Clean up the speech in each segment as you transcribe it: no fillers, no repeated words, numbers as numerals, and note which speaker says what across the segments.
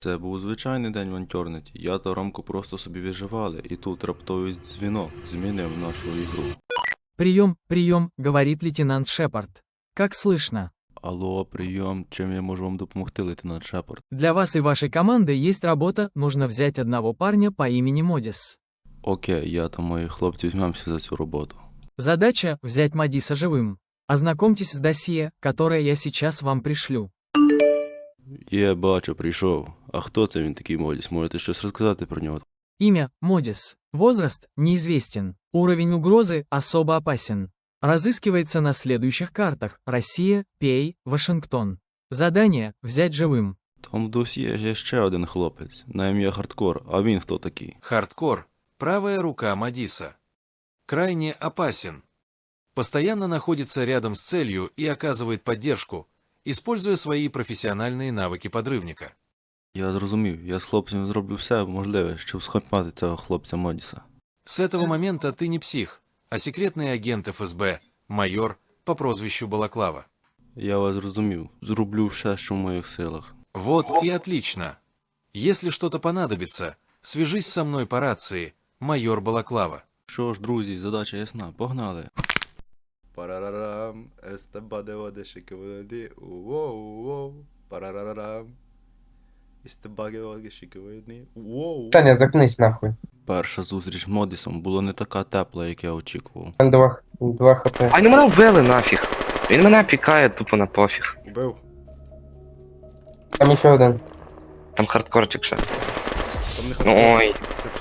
Speaker 1: Це був звичайний день в Антьорнеті. Я та Ромко просто собі виживали, і тут раптовий дзвінок змінив нашу ігру.
Speaker 2: «Прием, прием», — говорит лейтенант Шепард. «Как слышно?
Speaker 1: Алло, прийом, чим я можу вам допомогти, лейтенант Шепард?
Speaker 2: Для вас и вашей команды есть работа, нужно взять одного парня по имени Модис.
Speaker 1: Окей, я та мої хлопці візьмемося за цю роботу.
Speaker 2: Задача — взять Модиса живым. Ознакомьтесь с досье, которое я сейчас вам пришлю».
Speaker 1: Є, бачу, прийшов. А хто це він такий Модіс? Можете щось розказати про нього?
Speaker 2: Имя — Модис. Возраст — неизвестен. Уровень угрозы особо опасен. Разыскивается на следующих картах: Россия, Пей, Вашингтон. Задание — взять живым.
Speaker 1: Там в досьє є ще один хлопець, на ім'я Хардкор, а він хто такий?
Speaker 3: Хардкор – правая рука Модиса. Крайне опасен. Постоянно находится рядом с целью и оказывает поддержку, используя свои профессиональные навыки подрывника.
Speaker 1: Я зрозумів, я з хлопцем зроблю все можливе, щоб схопати цього хлопця Модіса.
Speaker 3: С этого момента ты не псих, а секретный агент ФСБ, майор по прозвищу Балаклава.
Speaker 1: Я вас зрозумів, зроблю все, що в моїх силах.
Speaker 3: Вот и отлично. Если что-то понадобится, свяжись со мной по рации, майор Балаклава.
Speaker 1: Що ж, друзі, задача ясна, погнали. Парарарам, естебаде одешики води, уоу, парарарам. Істебаге одешики води, уоу.
Speaker 4: Таня, заткнись нахуй.
Speaker 1: Перша зустріч з Модісом була не така тепла, як я очікував.
Speaker 4: Два хп.
Speaker 5: А не мене вбили нафіг. Він мене пікає тупо на пофіг.
Speaker 1: Убив.
Speaker 4: Там ще один.
Speaker 5: Там хардкорчик ще.
Speaker 1: Там не
Speaker 5: Ну ой.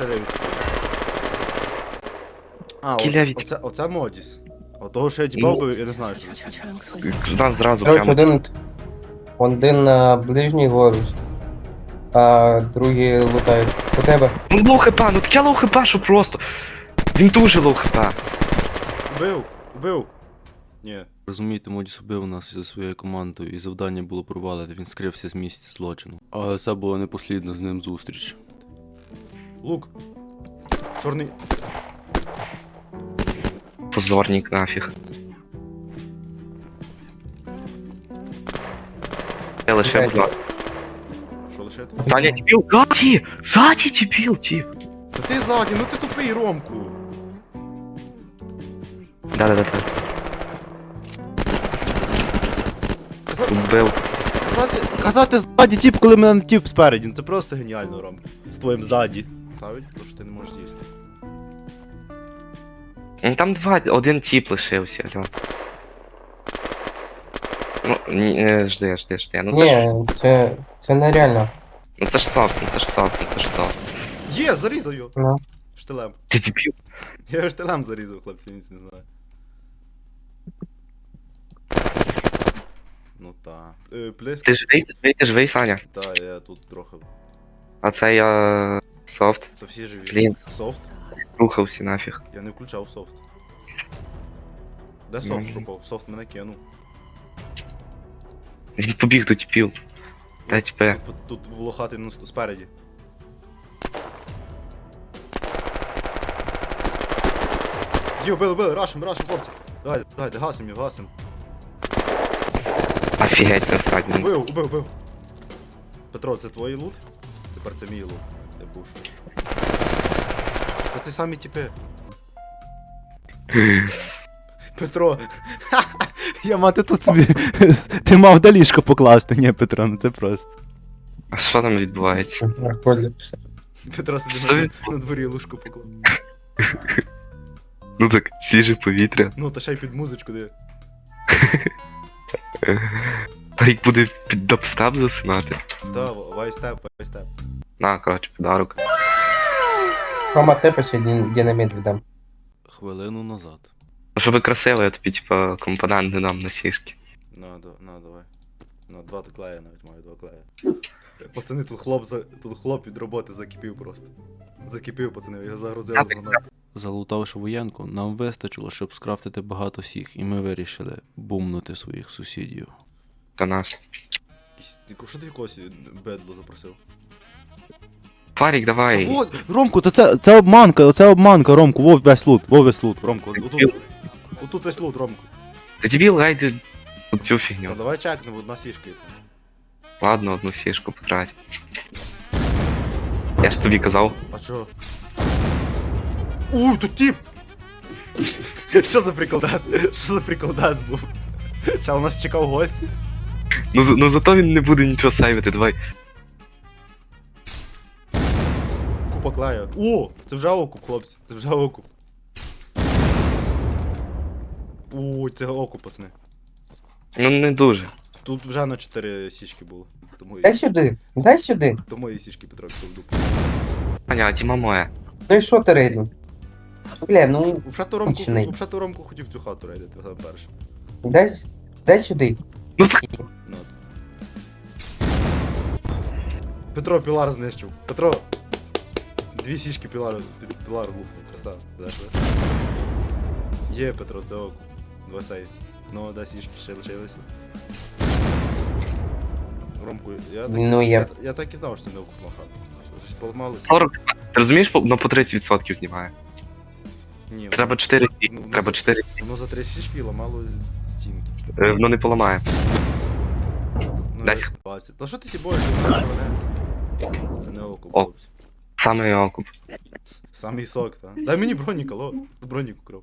Speaker 1: А,
Speaker 5: Кіля від-
Speaker 1: оце Модіс. Отого, що я тіпав би, я не знаю, що це.
Speaker 5: Нас зразу
Speaker 4: Короче,
Speaker 5: прямо.
Speaker 4: один на ближній горус, а другий лутають. У тебе.
Speaker 5: Ну лоу хп, ну таке лоу хп, що просто. Він дуже лоу хп.
Speaker 1: Убив! Ні. Розумієте, Модіс убив нас зі своєю командою, і завдання було провалене, він скрився з місця злочину. Але це була непослідна з ним зустріч. Лук! Чорний!
Speaker 5: Позорник нафіг. Я лише, будь ласка.
Speaker 1: Що лишити?
Speaker 5: Таня, дебіл, ззаді! Ззаді, дебіл, тіп.
Speaker 1: Та ти ззаді, ну ти тупий, Ромку!
Speaker 5: Да-да-да. Убив.
Speaker 1: Казати ззаді тіп, коли мене тіп спереді, ну це просто геніально, Ром. З твоїм ззаді. Ставить, то що ти не можеш з'їсти.
Speaker 5: Ну там один тіп лишився, алло. Ну, жди. Ну це ж,
Speaker 4: Ні, це нереально.
Speaker 5: ну це ж софт, ну це ж софт.
Speaker 1: Є, зарізав його!
Speaker 4: Ну.
Speaker 1: Штилем.
Speaker 5: Ти дебіл.
Speaker 1: Я його штилем зарізав, хлопці, ніц не знаю. Ну та. Плеск.
Speaker 5: Ти живий, Саня.
Speaker 1: Та, я тут трохи.
Speaker 5: А це я софт.
Speaker 1: То всі живі.
Speaker 5: Блін.
Speaker 1: Софт?
Speaker 5: Рухався нафіг.
Speaker 1: Я не включав софт. Де софт пропав? Софт мене кинув.
Speaker 5: Він побіг до тіпів. Та тіпе.
Speaker 1: Тут волохатий спереді. Йо, били, рашим, хлопці. Давайте, гасим його, гасим.
Speaker 5: Офігеть, насрать.
Speaker 1: Убив. Петро, це твій лут? Тепер це мій лут. Я пушу. Та це самі тіпи. Петро. Я мати тут собі. Ти мав до ліжко покласти, ні, Петро, ну це просто.
Speaker 5: А що там відбувається?
Speaker 4: Прикольно.
Speaker 1: Петро
Speaker 5: Що
Speaker 1: собі на дворі лужку поклав.
Speaker 5: Ну так, свіже повітря.
Speaker 1: Ну, та ще й під музичку де.
Speaker 5: А як буде під дабстеп засинати?
Speaker 1: Та, вайстеп.
Speaker 5: На, коротше, подарок.
Speaker 4: Рома, тебе ще динаміт віддам.
Speaker 1: Хвилину назад.
Speaker 5: Ну, щоб красиво, я тобі, типа, компонент не дам на сішки.
Speaker 1: На, давай. На, два клея навіть маю, два клея. Пацани, тут хлоп від роботи закипів просто. Закипів, пацани, його загрузили з гранати. Залутавши воєнку, нам вистачило, щоб скрафтити багато сіх, і ми вирішили бумнути своїх сусідів.
Speaker 5: Та наш.
Speaker 1: Що ти якогось бедло запросив?
Speaker 5: Фарік, давай.
Speaker 1: Вот, Ромку, то це обманка, Ромку, вов весь лут, Ромку, отут весь лут, Ромку.
Speaker 5: Ти дебіл, гайди цю фігню.
Speaker 1: Та давай чекнемо, одна сішка.
Speaker 5: Ладно, одну сішку потрать. Я ж тобі казав.
Speaker 1: А чо? Тут тип! Що за приколдас? Що за приколдас був? Чал, нас чекав гості?
Speaker 5: Ну зато він не буде нічого сейвити, давай.
Speaker 1: Купа клею. О, це вже окуп, хлопці. Це вже окуп. Це окуп, пацани.
Speaker 5: Ну не дуже.
Speaker 1: Тут вже на 4 січки було.
Speaker 4: Дай сюди, дай сюди.
Speaker 1: Тому і січки Петро пішов в дупу.
Speaker 5: Аня, а Тіма моя.
Speaker 4: Ну і що ти рейдну? Бля, ну, Кончений.
Speaker 1: Взагалі Ромку хотів цю хату рейдити, сам перший.
Speaker 4: дай сюди.
Speaker 1: Ну, от. Петро пілар знищив. Петро. 2 січки пілар лупнув, красава. Є, Петро, це окуп. 2 сейв. Ну, 2 січки ще лишилися. Ромку,
Speaker 4: Ну, я-
Speaker 1: я так і знав, що це не окупна хата. Щось поламалося.
Speaker 5: 40. Ти розумієш, по 30% знімає.
Speaker 1: Ні,
Speaker 5: Треба 4
Speaker 1: Ну,
Speaker 5: Треба 4
Speaker 1: воно за 3 січки ламало стінки.
Speaker 5: Воно не поламає.
Speaker 1: Ну,
Speaker 5: Десь.
Speaker 1: як спасти. Та що ти сі боїшся? Це не окуп,
Speaker 5: О.
Speaker 1: хлопці.
Speaker 5: Саме окуп.
Speaker 1: Самий сок, та. Дай мені бронік, алло. Бронік украв.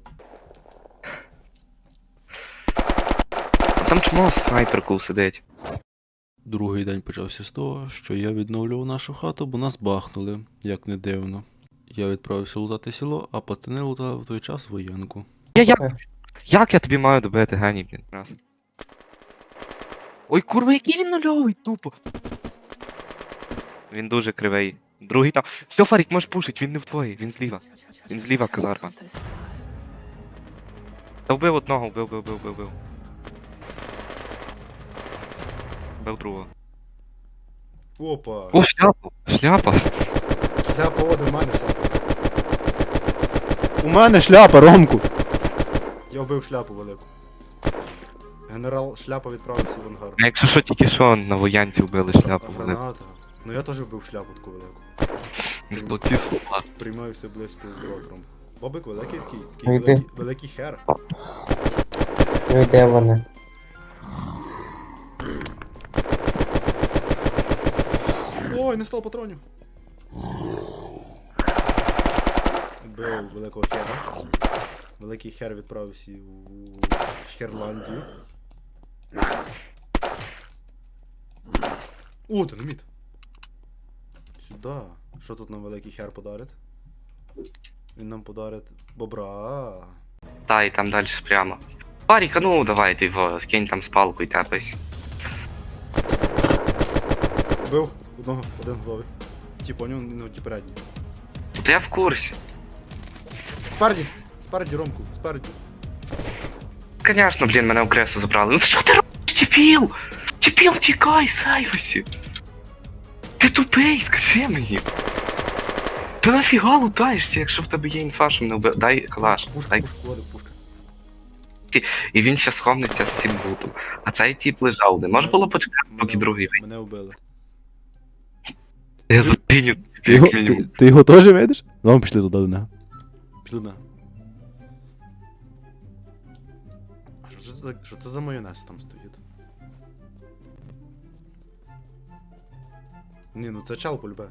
Speaker 5: А там чмо снайперку сидить.
Speaker 1: Другий день почався з того, що я відновлював нашу хату, бо нас бахнули, як не дивно. Я відправився лутати село, а пацани лутали в той час воєнку.
Speaker 5: Як я тобі маю добити, геній, блін, раз. Ой, курва, який він нульовий, тупо. Він дуже кривий. Другий там. Все, Фарік, можеш пушить, він не в твоїй, він зліва. Він зліва, казарма. Та вбив одного, вбив. Вбив другого.
Speaker 1: Опа!
Speaker 5: О, шляпа! Шляпа!
Speaker 1: Шляпа, о, до мене шляпа.
Speaker 6: У мене шляпа, Ромку.
Speaker 1: Я вбив шляпу велику. Генерал шляпа відправився в ангар.
Speaker 5: А якщо що, тільки що на воянці вбили шляпу,
Speaker 1: А
Speaker 5: велику.
Speaker 1: граната. Ну я теж вбив шляпу таку велику.
Speaker 5: Золоті слова.
Speaker 1: Приймаюся близько з ротором. Бобик великий такий,
Speaker 4: Ну,
Speaker 1: такий
Speaker 4: йди.
Speaker 1: великий хер.
Speaker 4: Ну і де вони?
Speaker 1: Ой, не стало патронів. Вбив великого хера. Великий хер відправився у Херландію. О, динаміт. Сюда. Що тут нам великий хер подарить? Він нам подарить бобра.
Speaker 5: Та, і там далі прямо. Фарік, а ну давай, ти його, скинь там з палку і тепись.
Speaker 1: Бив одного, один голови. Ті поняв, ну ті передні.
Speaker 5: Та я в курсі.
Speaker 1: Спереді! Спереді, Ромку, спереді.
Speaker 5: Конечно, блін, мене в кресу забрали. Ну що ти робиш, Тіпіл? Тіпіл, тікай, сейвосі. Ти тупий, скажи мені. Ти нафіга лутаєшся, якщо в тебе є інфа, що мене вбив. Дай калаш,
Speaker 1: Пушка,
Speaker 5: дай.
Speaker 1: пушка, води, пушка.
Speaker 5: І він ще сховниться з всім бутом. А цей тіп лежав. Не може було почекати, поки
Speaker 1: Мене-
Speaker 5: другий вийде.
Speaker 1: Мене вбили.
Speaker 5: Я зупиню
Speaker 6: Ти
Speaker 5: тобі,
Speaker 6: його,
Speaker 5: як мінімум.
Speaker 6: ти його теж видиш? Ну, пішли туди до нього.
Speaker 1: Піду на. А що це за майонез там стоїть? Ні, ну це чал полюбе.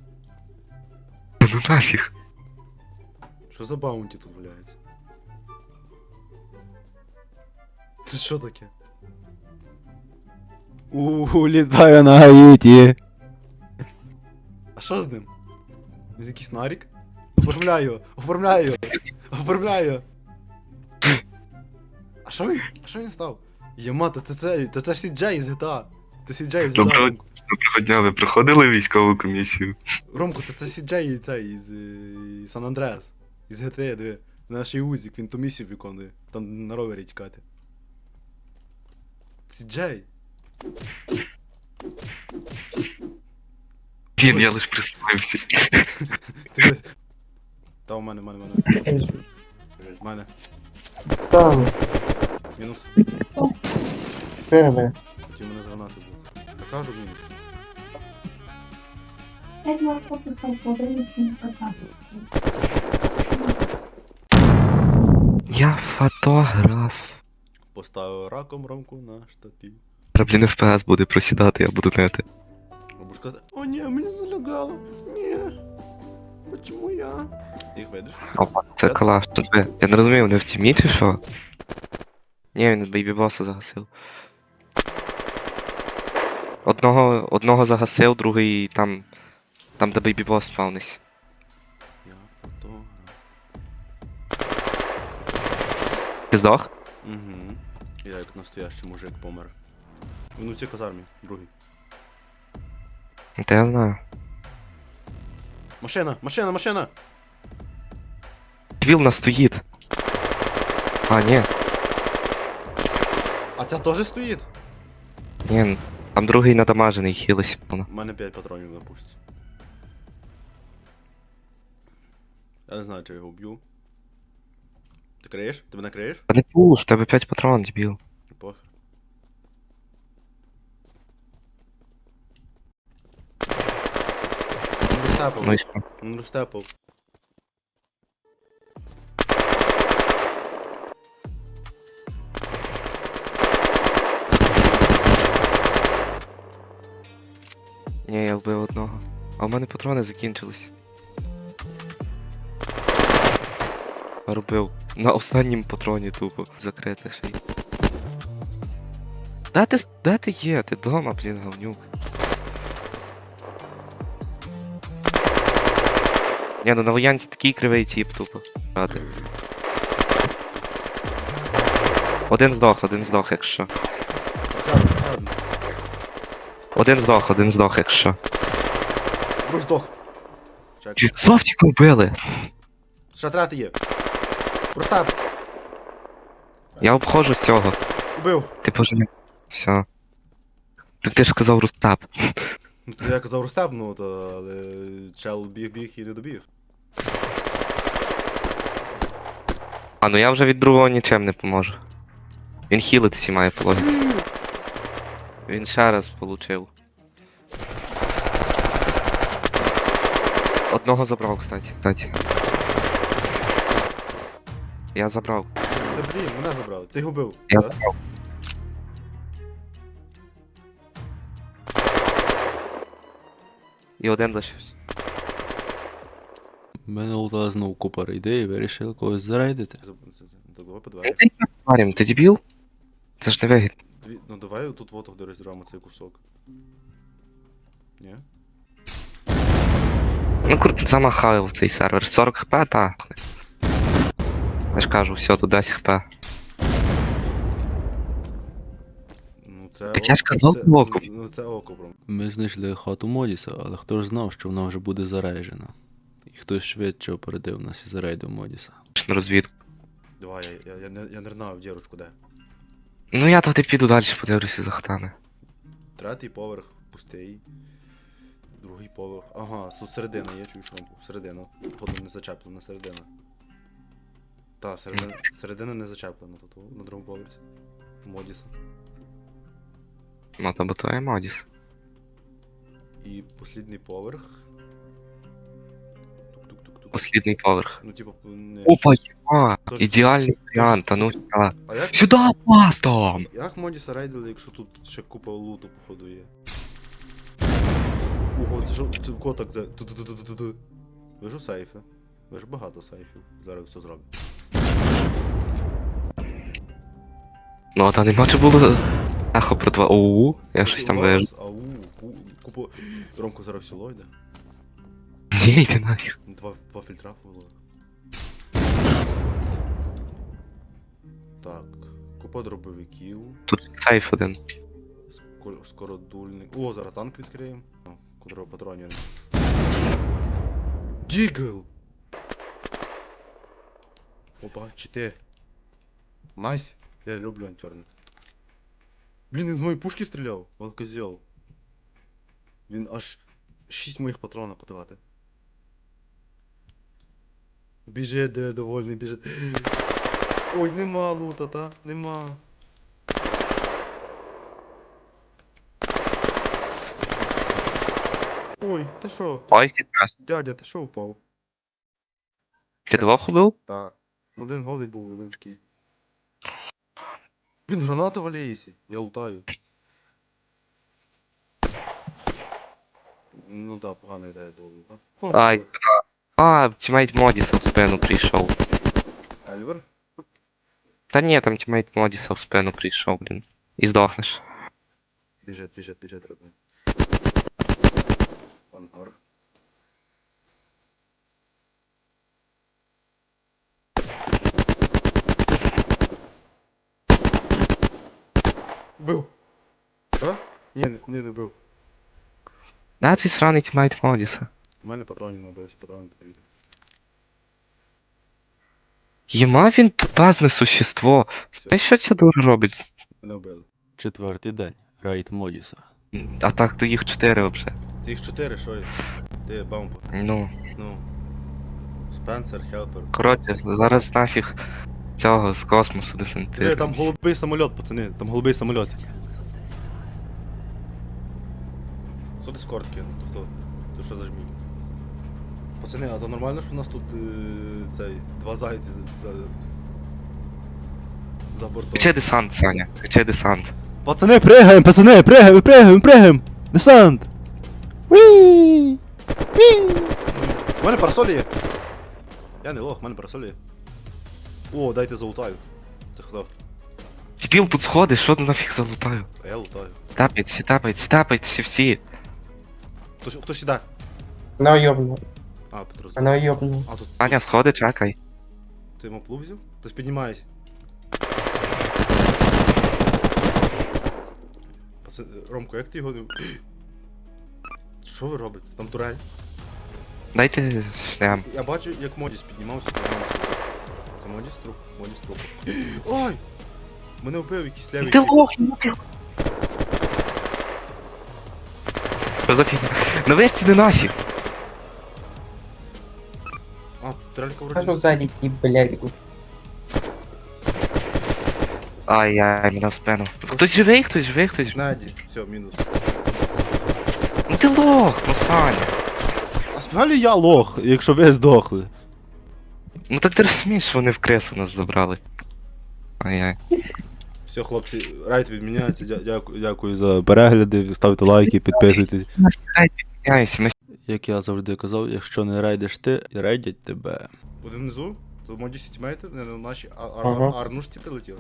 Speaker 5: Ну нафіг.
Speaker 1: Що за баунті тут валяється? Це що таке?
Speaker 6: Літаю на Гаїті.
Speaker 1: А що з ним? Він якийсь нарік? Оформляю! Оформляю! Оформляю! А що він? А що він став? Єма, та це ж Сіджей з GTA. Це Сіджей з GTA.
Speaker 5: Доброго
Speaker 1: Ромку.
Speaker 5: Доброго дня, ви проходили військову комісію?
Speaker 1: Ромку, це Сіджей цей із Сан Андреас. Із GTA, диви. Наш Узік, він ту місію виконує. Там на ровері тікати. Сіджей.
Speaker 5: Блін, я лиш представився.
Speaker 1: Ти... Та у мене. У мене.
Speaker 4: Там,
Speaker 1: Мінус.
Speaker 4: перше.
Speaker 1: Хотів мене з гранати був. Я кажу мінус.
Speaker 5: Я фотограф.
Speaker 1: Поставив раком Ромку на штатив.
Speaker 5: Блін, FPS буде просідати, я буду нети.
Speaker 1: Або сказати, о ні, мені залягало. Ні. Почему я? Їх видиш?
Speaker 5: Опа, це калаш. Тут я не розумію, вони в тімі чи що? Ні, він бейбі-боса загасив. Одного загасив, другий там, де бейбі-бос спавнись.
Speaker 1: Я фотограф.
Speaker 5: Ти здох?
Speaker 1: Угу. Я як настоящий мужик помер. Він у цій казармі, другий.
Speaker 5: Та я знаю.
Speaker 1: Машина, машина, машина!
Speaker 5: Квіл нас стоїть. А, ні.
Speaker 1: А ця теж стоїть?
Speaker 5: Ні, там другий надамажений, хілись.
Speaker 1: У мене 5 патронів на пушці. Я не знаю, чи я його вб'ю. Ти криєш? Ти мене криєш?
Speaker 5: Та не пуш, в тебе 5 патрон, дебіл.
Speaker 1: Похер. Він розтепав.
Speaker 5: Ну і що?
Speaker 1: Він розтепав.
Speaker 5: Ні, я вбив одного. А в мене патрони закінчились. Робив. На останнім патроні тупо. Закрити ще й. Де ти є? Ти дома, блін, говнюк. Ні, ну на воянці такий кривий тіп, тупо. Ради. Один здох, якщо.
Speaker 1: Ще один.
Speaker 5: Один здох, якщо.
Speaker 1: Друг здох. Чек.
Speaker 5: Софтіку вбили!
Speaker 1: Ще третій є. Простеп.
Speaker 5: Я обходжу з цього.
Speaker 1: Убив.
Speaker 5: Ти пожалів. Все. Ти ж сказав Рустап.
Speaker 1: Ну, то я казав Рустеп, ну, то, але чел біг і не добіг.
Speaker 5: А, ну я вже від другого нічим не поможу. Він хілитися має по логіці. Він ще раз получив. Одного забрав, кстати. Я забрав.
Speaker 1: Та блін, мене забрали. Ти його бив.
Speaker 5: Я
Speaker 1: да?
Speaker 5: забрав. І один лишився.
Speaker 6: Мене лутала знову купа рейдей і вирішили когось зарейдити.
Speaker 1: Так, давай по двері.
Speaker 5: Марім, ти дебіл? Це ж не вигідно.
Speaker 1: Ну давай тут вот де розірвемо цей кусок. Ні?
Speaker 5: Ну круто, замахаю в цей сервер. 40 хп, та. Я ж кажу, все, тут 10 хп.
Speaker 1: Ну це
Speaker 5: Так я ж казав,
Speaker 1: це,
Speaker 5: це око.
Speaker 1: Ну це око, бро.
Speaker 6: Ми знайшли хату Модіса, але хто ж знав, що вона вже буде зарейджена. І хтось швидше опередив нас і зарейдив Модіса.
Speaker 5: На розвідку.
Speaker 1: Давай, я не знаю в дірочку де.
Speaker 5: Ну я тоді піду далі, подивлюся за хатами.
Speaker 1: Третій поверх пустий. Другий поверх. Ага, тут середина, я чую шумку. Середина. Походу не зачеплена, середина. Та, середина не зачеплена тут, на другому поверсі. Модіса.
Speaker 5: Ну то бо то є Модіс.
Speaker 1: І послідний поверх. Тук-тук-тук-тук.
Speaker 5: Послідний поверх.
Speaker 1: Ну, типа, не...
Speaker 5: Опа, єма!
Speaker 1: Тож-
Speaker 5: Ідеальний варіант, а ну сюди.
Speaker 1: А як,
Speaker 5: Сюди, пастом!
Speaker 1: як Модіса рейдили, якщо тут ще купа луту, походу, є? Ого, це що, це в коток за... Ту-ту-ту-ту-ту-ту. Ви ж у сейфи. Ви ж багато сейфів. Зараз все зроблю.
Speaker 5: Ну, та нема чи було ехо про 2 ОУ, я щось там вижу.
Speaker 1: Ау, купу... Ромко зараз в село йде.
Speaker 5: Ні, йди нафіг.
Speaker 1: Два фільтра було. Так, купа дробовиків.
Speaker 5: Тут сейф один.
Speaker 1: Скородульник. О, зараз танк відкриємо. О, котрого патронів. Джигл! Опа, чи ти? Найс. Я люблю антёрнет. Блін, він з моєї пушки стріляв. Он козел. Він аж 6 моїх патронів подавати. Біжить, де довольний, біжить. Ой, нема лута, та? Нема. Ой, ти що?
Speaker 5: Ой, якраз.
Speaker 1: Дядя, ти що впав?
Speaker 5: Ти двох убив?
Speaker 1: Так. Один голий був, один такий. Він гранату валяється. Я лутаю. Ну да, погана ідея була.
Speaker 5: Ай, тімейт Модіса в спину прийшов.
Speaker 1: Ельвер?
Speaker 5: Та ні, там тімейт Модіса в спину прийшов, блін. І здохнеш.
Speaker 1: Біжить, треба. Ангар. Бив. А? Ні, не бив.
Speaker 5: Да, цей сраний тімейт Модіса.
Speaker 1: У мене патронів не бив, патрони поїду.
Speaker 5: Єма він тупазне существо. Знаєш, що ця дура робить?
Speaker 1: Мене вбили.
Speaker 6: 4-й день. Рейд Модіса.
Speaker 5: А так, то їх 4 взагалі.
Speaker 1: Ти їх 4, що є? Ти бампер.
Speaker 5: Ну,
Speaker 1: Ну. Спенсер, Хелпер.
Speaker 5: коротше, зараз нафіг цього з космосу
Speaker 1: Диви,
Speaker 5: десантируємось.
Speaker 1: там голубий самоліт, пацани, там голубий самоліт. Хто дискорд кинув? То хто? То що за жмінь? Пацани, а то нормально, що у нас тут цей, два зайці за бортом?
Speaker 5: Кричи десант, Саня, кричи десант.
Speaker 1: Пацани, пригаємо, пацани, пригаємо! Десант! Уі! У мене парасолі є. Я не лох, у мене парасолі є. О, дайте залутаю. Це хто?
Speaker 5: Дебіл, тут сходи, що ти нафіг залутаю?
Speaker 1: А я лутаю.
Speaker 5: Тапайтеся всі.
Speaker 1: Хто сюди?
Speaker 4: Мене йобну.
Speaker 1: А, Петро.
Speaker 4: Мене йобну.
Speaker 1: А, тут
Speaker 5: Саня, сходи, чекай.
Speaker 1: ти йому плуг взяв? Хтось піднімається. Ромко, як ти його не... Що ви робите? Там турель.
Speaker 5: Дайте шлям.
Speaker 1: Я бачу, як Модіс піднімався. Це Модіс труп. Ой! Мене вбив якийсь левий.
Speaker 5: Ти лох, ну ти. Що за фігня? На вишці не наші.
Speaker 1: А, турелька
Speaker 4: Кажу
Speaker 1: вроді.
Speaker 4: ззаді ті, блядь.
Speaker 5: Ай-яй, мене в спину. Хтось живий.
Speaker 1: Наді. Все, мінус.
Speaker 5: Ну ти лох, ну Саня.
Speaker 1: А справді я лох, якщо ви здохли.
Speaker 5: Ну так ти розумієш, що вони в кресу нас забрали. Ай-яй.
Speaker 1: Все, хлопці, райд відміняється. Дякую за перегляди. Ставте лайки, підписуйтесь.
Speaker 5: Яйся, ми
Speaker 6: Як я завжди казав, якщо не рейдиш ти, рейдять тебе.
Speaker 1: Один внизу, то Моді сітімейти, не наші
Speaker 4: Ага.
Speaker 1: арнушці прилетіли.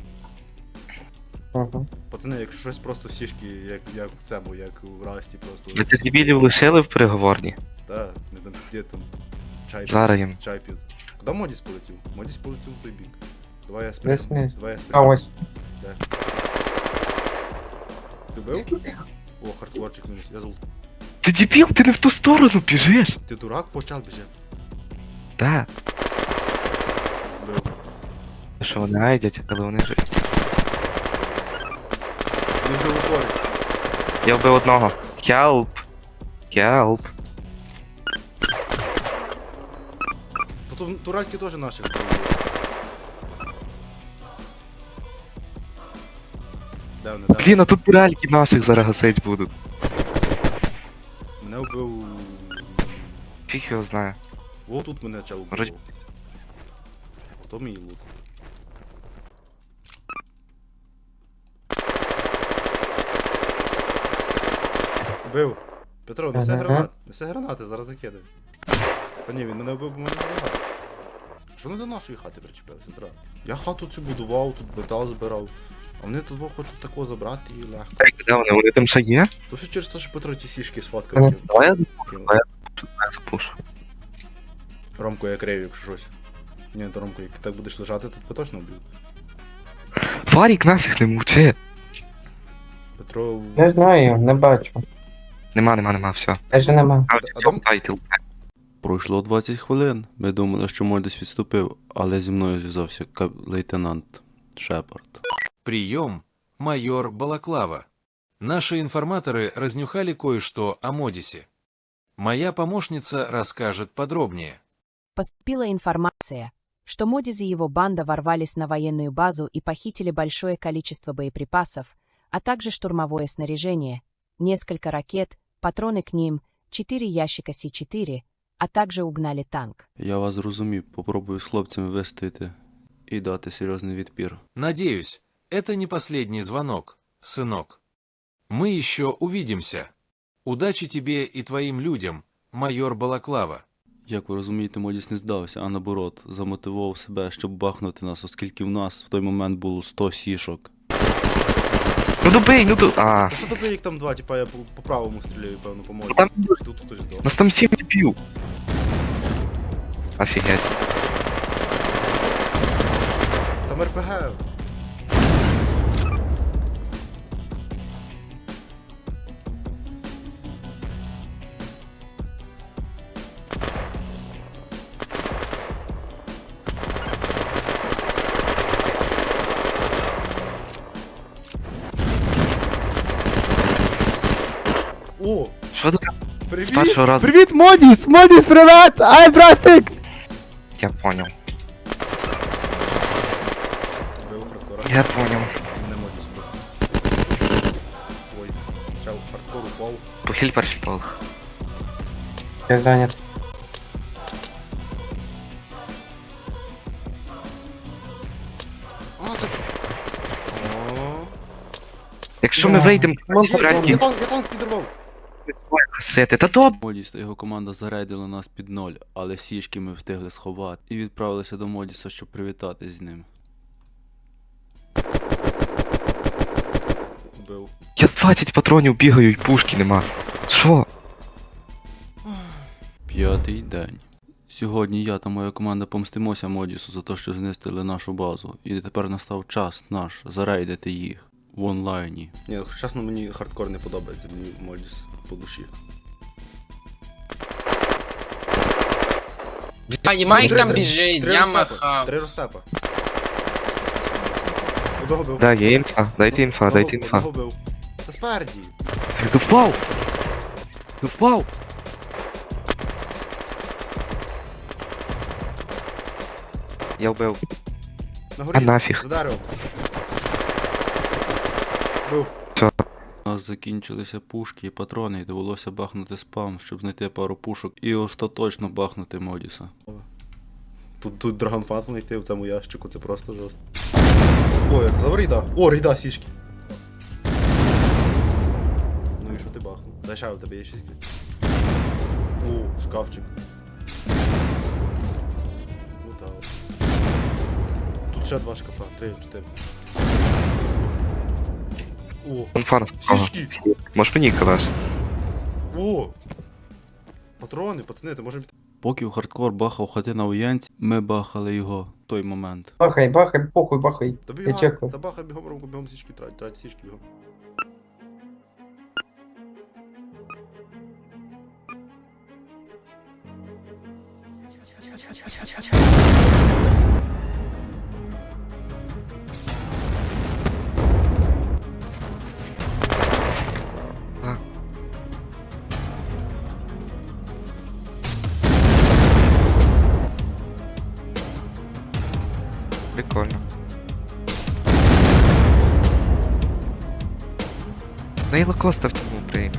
Speaker 4: Ага.
Speaker 1: Пацани, якщо щось просто сішки, як в цьому, як в Расті просто.
Speaker 5: Ви цих дебілів лишили в переговорні.
Speaker 1: Та, не там сидять там. Чай
Speaker 5: Зараз їм.
Speaker 1: чай п'ють. Куди Модіс полетів? Модіс полетів в той бік. Давай я
Speaker 4: Десь
Speaker 1: спрягну.
Speaker 4: вниз.
Speaker 1: Давай я
Speaker 4: А
Speaker 1: спрягну.
Speaker 4: ось.
Speaker 1: Де? Ти вбив? О, хардкорчик мінус. Я золотий.
Speaker 5: Ти дебіл, ти не в ту сторону біжиш.
Speaker 1: Ти дурак, почав біже.
Speaker 5: Так.
Speaker 1: Вбив.
Speaker 5: Що вони райдять, але вони ж.
Speaker 1: Він вже виходить.
Speaker 5: Я вбив одного. Help. Help.
Speaker 1: Тут туральки теж наших. Де вони, де?
Speaker 5: Блін, а тут туральки наших зараз гасить будуть.
Speaker 1: Мене вбив.
Speaker 5: Фіг його знає.
Speaker 1: О, тут мене чел вбив.
Speaker 5: Вроді-
Speaker 1: То мій лут. Вбив. Петро, неси
Speaker 4: Ага.
Speaker 1: гранати. Неси гранати, зараз закидай. Та ні, він мене вбив, бо мене не. Що вони до нашої хати причепилися, дра? Я хату цю будував, тут метал збирав. А вони тут хочуть такого забрати і легко.
Speaker 5: Ей, де вони? Вони там ще є?
Speaker 1: То все через те, що Петро ті сішки сфоткав.
Speaker 4: Ага.
Speaker 1: кинув.
Speaker 5: Давай я
Speaker 1: Кинув.
Speaker 5: запушу.
Speaker 1: Ромко, я крив, якщо щось. Ні, то Ромко, як ти так будеш лежати, тут би точно вбив.
Speaker 5: Фарік нафіг не мовчи.
Speaker 1: Петро.
Speaker 4: Не знаю, не бачу.
Speaker 5: Нема, все.
Speaker 4: Теж нема.
Speaker 5: А,
Speaker 1: А
Speaker 5: в
Speaker 1: там-
Speaker 5: цьому тайтл.
Speaker 6: Пройшло 20 хвилин. Ми думали, що Модіс відступив, але зі мною зв'язався лейтенант Шепард.
Speaker 3: Прием, майор Балаклава. Наши информаторы разнюхали кое-что о Модисе. Моя помощница расскажет подробнее.
Speaker 7: Поступила информация, что Модиз и его банда ворвались на военную базу и похитили большое количество боеприпасов, а также штурмовое снаряжение, несколько ракет, патроны к ним, 4 ящика С-4, а также угнали танк.
Speaker 6: Я вас зрозумів, попробую з хлопцями вистояти і дати серйозний відпір.
Speaker 3: Надеюсь, это не последний звонок, сынок. Мы еще увидимся. Удачи тебе и твоим людям, майор Балаклава.
Speaker 6: Як ви розумієте, Модіс не здався, а наоборот, замотивував себе, щоб бахнути нас, оскільки в нас в той момент було 100 сішок.
Speaker 5: Ну добий, ну до... А,
Speaker 1: Та що тобі, як там два, типа я по правому стріляю, певно, по моді.
Speaker 5: Там-
Speaker 1: Тут хтось до.
Speaker 5: нас там 7 дебіл. Офігеть.
Speaker 1: Там РПГ. О,
Speaker 5: Що тут?
Speaker 1: привіт!
Speaker 5: З першого разу.
Speaker 1: Привіт, Модіс! Модіс, привіт! Ай, братик!
Speaker 5: Я понял.
Speaker 1: Бив хардкора.
Speaker 5: Я понял.
Speaker 1: Не Модіс бив. Ой, чел, хардкор упав.
Speaker 5: Похиль перший полк.
Speaker 4: Я зайнят.
Speaker 1: А, це... О,
Speaker 5: Якщо ми вийдемо,
Speaker 1: я танк підірвав.
Speaker 5: хасити, та добре.
Speaker 6: Модіс та його команда зарейдили нас під ноль, але сішки ми встигли сховати і відправилися до Модіса, щоб привітатись з ним.
Speaker 1: Бив.
Speaker 5: Я з 20 патронів бігаю і пушки нема. Що?
Speaker 6: 5-й день. Сьогодні я та моя команда помстимося Модісу за те, що знистили нашу базу, і тепер настав час наш зарейдити їх в онлайні.
Speaker 1: Ні, чесно, мені хардкор не подобається, мені Модіс по душі.
Speaker 8: Нема їх там біжить, я махав.
Speaker 1: 3 розтепа. Одного бив.
Speaker 5: Да, є інфа, дайте інфа, дайте інфа.
Speaker 1: Одного бив. Та спереді.
Speaker 5: Ти впав! Ти впав! Я вбив.
Speaker 1: На горі.
Speaker 5: А нафіг.
Speaker 1: За деревом. Бив.
Speaker 6: У нас закінчилися пушки і патрони, і довелося бахнути спам, щоб знайти пару пушок і остаточно бахнути Модіса.
Speaker 1: Тут драгонфат знайти в цьому ящику, це просто жорстко. О, як за рейда. О, рейда, сішки. Ну і що ти бахнув? Дай ще у тебе є сішки. О, шкафчик. Ну так. Тут ще 2 шкафа, 3, 4. О,
Speaker 5: Інфа.
Speaker 1: сішки.
Speaker 5: Можеш мені казати?
Speaker 1: О! Патрони, пацани, ти можемо піти.
Speaker 6: Поки в хардкор бахав хати на воєнці, ми бахали його в той момент.
Speaker 4: Бахай, бахай, похуй, бахай.
Speaker 1: Та
Speaker 4: Я
Speaker 1: бігай,
Speaker 4: чекав.
Speaker 1: та бахай бігом, Ромко, бігом сішки трать сішки бігом.
Speaker 5: Прикольно. Нейла Коста в цьому прийме.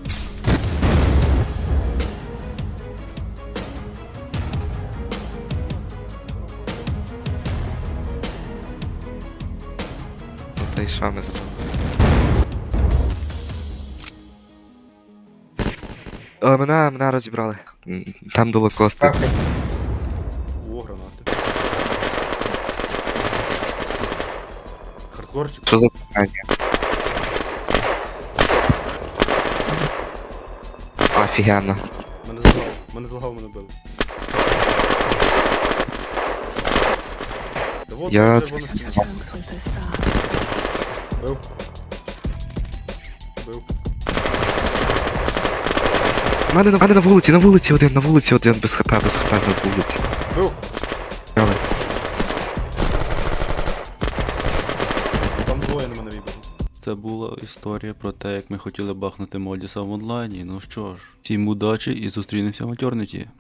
Speaker 5: Ну та й що ми зробимо? Але мене розібрали. Там до Лакоста.
Speaker 4: Бахай.
Speaker 1: О, гранати. Хардкорчик.
Speaker 5: Що за питання? Офігенно.
Speaker 1: Мене злагав, мене били. Та вот,
Speaker 5: Я-
Speaker 1: вже вони спільно. Бив. Бив.
Speaker 5: У мене на вулиці один, без хп на вулиці.
Speaker 1: Бив.
Speaker 5: Але.
Speaker 1: Там двоє на мене вибили.
Speaker 6: Це була історія про те, як ми хотіли бахнути Модіса в онлайні. Ну що ж, всім удачі і зустрінемося в матьорниті.